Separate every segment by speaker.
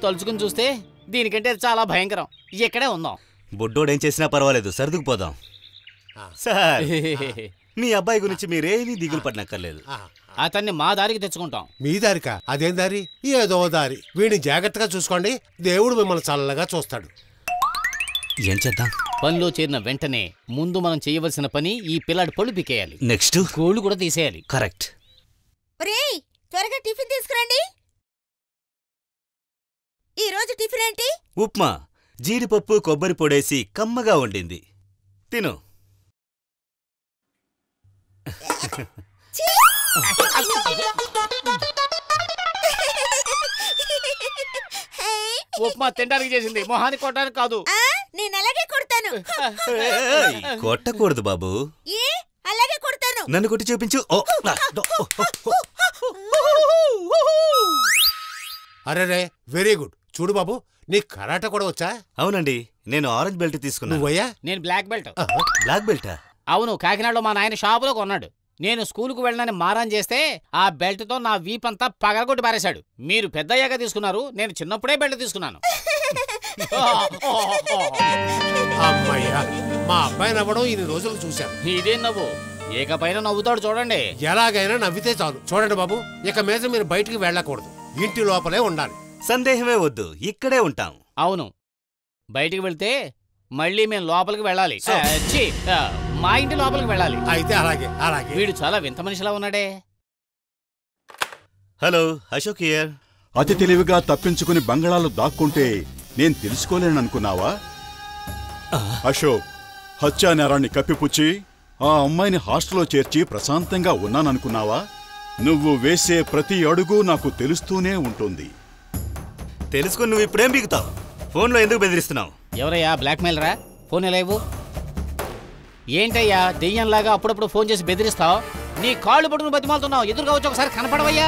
Speaker 1: తలుచుకుని చూస్తే దీనికంటే చాలా భయంకరం. ఇక్కడే ఉందాం.
Speaker 2: బుడ్డోడేం చేసినా పర్వాలేదు, సర్దుకుపోదాం. సార్, మీ అబ్బాయి గురించి మీరేమీ దిగులు పడనక్కర్లేదు.
Speaker 1: అతన్ని మా దారికి తెచ్చుకుంటాం.
Speaker 3: మీ దారికా? అదేం దారి? ఏదో దారి. వీడిని జాగ్రత్తగా చూసుకోండి, దేవుడు మిమ్మల్ని చల్లగా చూస్తాడు.
Speaker 2: ఏం చేద్దాం?
Speaker 1: పనిలో చేరిన వెంటనే ముందు మనం చేయవలసిన పని ఈ పిల్లాడి పళ్ళు పీకేయాలి.
Speaker 2: నెక్స్ట్
Speaker 1: గోళ్ళు కూడా తీసేయాలి.
Speaker 2: కరెక్ట్.
Speaker 4: త్వరగా టిఫిన్ తీసుకురండి. ఈ రోజు టిఫిన్ ఏంటి?
Speaker 2: ఉప్మా, జీడిపప్పు కొబ్బరి పొడేసి కమ్మగా వండింది. తిను.
Speaker 1: ఉప్మా తినడానికి చేసింది, మొహాన్ని కొట్టడానికి కాదు.
Speaker 4: నేను అలాగే కొడతాను.
Speaker 2: కొట్టకూడదు బాబు.
Speaker 4: అలాగే కొడతాను.
Speaker 2: నన్ను కొట్టి చూపించు.
Speaker 3: అరే, వెరీ గుడ్. చూడు బాబు, నీకు కరాటే కూడా వచ్చా?
Speaker 2: అవునండి, నేను ఆరెంజ్ బెల్ట్ తీసుకున్నాను.
Speaker 3: నువ్వయ్యా?
Speaker 1: నేను బ్లాక్ బెల్ట్.
Speaker 2: బ్లాక్ బెల్టా?
Speaker 1: అవును, కాకినాడలో మా నాయన షాపులో కొన్నాడు. నేను స్కూలుకు వెళ్ళనని మారాన్ చేస్తే ఆ బెల్ట్తో నా వీపంతా పగలగొట్టి పారేశాడు. మీరు పెద్దయ్యాక తీసుకున్నారు, నేను చిన్నప్పుడే బెల్ట్ తీసుకున్నాను.
Speaker 3: అమ్మయ్యా, మా అబ్బాయి నవ్వడం ఇన్ని రోజులు చూశాను.
Speaker 1: ఇదేం నవ్వు? ఏకపైన నవ్వుతాడు చూడండి.
Speaker 3: ఎలాగైనా నవ్వితే చాలు. చూడండి బాబు, ఇక మీద మీరు బయటికి వెళ్ళకూడదు, ఇంటి లోపలే ఉండాలి.
Speaker 2: సందేహమే వద్దు, ఇక్కడే ఉంటాం.
Speaker 1: అవును, బయటికి వెళ్తే మళ్ళీ మేము లోపలికి వెళ్ళాలి. మా ఇంటి లోపలికి వెళ్ళాలి.
Speaker 3: అయితే అలాగే అలాగే.
Speaker 1: వీడు చాలా వింత మనిషిలా ఉన్నాడే.
Speaker 2: Hello, Ashok here.
Speaker 5: అతి తెలివిగా తప్పించుకుని బంగళాలు దాక్కుంటే నేను తెలుసుకోలేననుకున్నావా? అశోక్, హత్యా నేరాన్ని కప్పిపుచ్చి ఆ అమ్మాయిని హాస్టల్లో చేర్చి ప్రశాంతంగా ఉన్నాననుకున్నావా? నువ్వు వేసే ప్రతి అడుగు నాకు తెలుస్తూనే ఉంటుంది.
Speaker 2: తెలుసుకుని నువ్వు ఇప్పుడేం బిగుతావు? ఫోన్లో ఎందుకు బెదిరిస్తున్నావు?
Speaker 1: ఎవరయ్యా బ్లాక్మెయిలరా? ఫోన్ ఎలా ఇవ్వు? ఏంటయ్యా దెయ్యంలాగా అప్పుడప్పుడు ఫోన్ చేసి బెదిరిస్తావు? నీ కాళ్ళు పట్టుకుని బతిమాలుతున్నావు. ఎదురుగా వచ్చి ఒకసారి కనపడవయ్యా.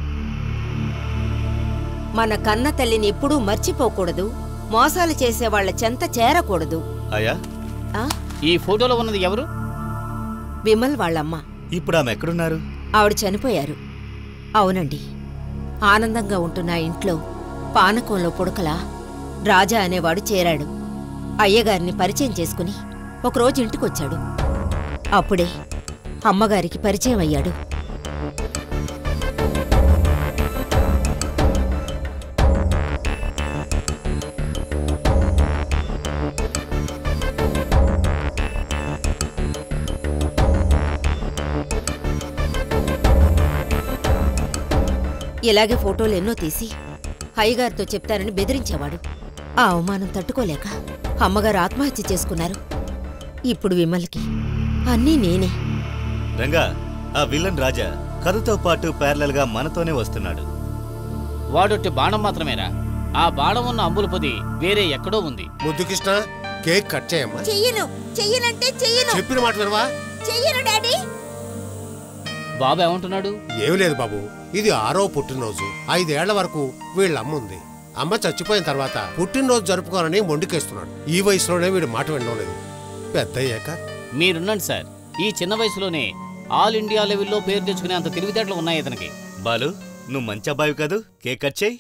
Speaker 4: మన కన్న తల్లిని ఎప్పుడూ మర్చిపోకూడదు, మోసాలు చేసే వాళ్ల చెంత చేరకూడదు.
Speaker 2: అయ్యా,
Speaker 1: ఈ ఫోటోలో ఉన్నది ఎవరు?
Speaker 4: విమల్ వాళ్ళమ్మ.
Speaker 2: ఇప్పుడు ఆమె ఎక్కడున్నారు?
Speaker 4: ఆవిడ చనిపోయారు. అవునండి, ఆనందంగా ఉంటున్న ఇంట్లో పానకంలో పుడకలా రాజా అనేవాడు చేరాడు. అయ్యగారిని పరిచయం చేసుకుని ఒకరోజు ఇంటికొచ్చాడు. అప్పుడే అమ్మగారికి పరిచయం అయ్యాడు. ఇలాగే ఫోటోలు ఎన్నో తీసి అయ్యగారితో చెప్తానని బెదిరించేవాడు. ఆ అవమానం తట్టుకోలేక అమ్మగారు ఆత్మహత్య చేసుకున్నారు. ఇప్పుడు విమల్కి అన్నీ నేనే.
Speaker 2: రంగా, ఆ విలన్ రాజా కథతో పాటు ప్యారలల్ గా మనతోనే వస్తున్నాడు.
Speaker 1: వాడొట్టి బాణం మాత్రమేరా? ఆ బాణం ఉన్న అంబుల పొది వేరే ఎక్కడో ఉంది.
Speaker 3: ముద్దు కృష్ణ, కేక్ కట్ చేయమ్మా.
Speaker 4: చెయ్యనంటే చెయ్యను.
Speaker 3: చెప్పిన మాట వినవా?
Speaker 4: చెయ్యను డాడీ.
Speaker 1: బాబు ఏమంటున్నాడు?
Speaker 3: ఏమి లేదు బాబు, ఇది 6వ పుట్టినరోజు. 5 ఏళ్ల వరకు వీళ్ళమ్మ ఉంది. అమ్మ చచ్చిపోయిన తర్వాత పుట్టినరోజు జరుపుకోనని మొండికేస్తున్నాడు. ఈ వయసులోనే వీడు మాట వినడం లేదు. పెద్దయ్యాక
Speaker 1: మీరున్నాడు సార్, ఈ చిన్న వయసులోనే ఆల్ ఇండియా లెవెల్లో పేరు తెచ్చుకునే అంత తెలివితేటలు ఉన్నాయి ఇతనికి.
Speaker 2: బాలు, నువ్వు మంచి అబ్బాయి కాదు, కేక్ కట్ చేయి.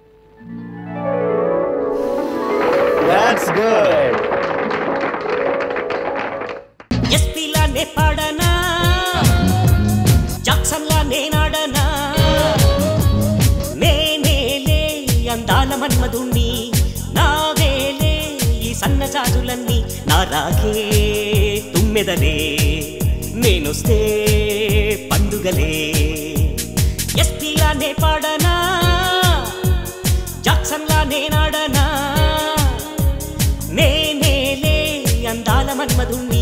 Speaker 6: ఎస్పీలానే పాడనా, జాక్సన్లా నేనాడనా, నేనేలే అందాల మన్మధుణ్ణి, నావేలే ఈ సన్నజాజులన్నీ, నా రాగే తుమ్మెదలే, నేనొస్తే పండుగలే. ఎస్పీలానే పాడనా, జాక్సన్లా నేనాడనా, నేనేలే అందాల మన్మధుణ్ణి,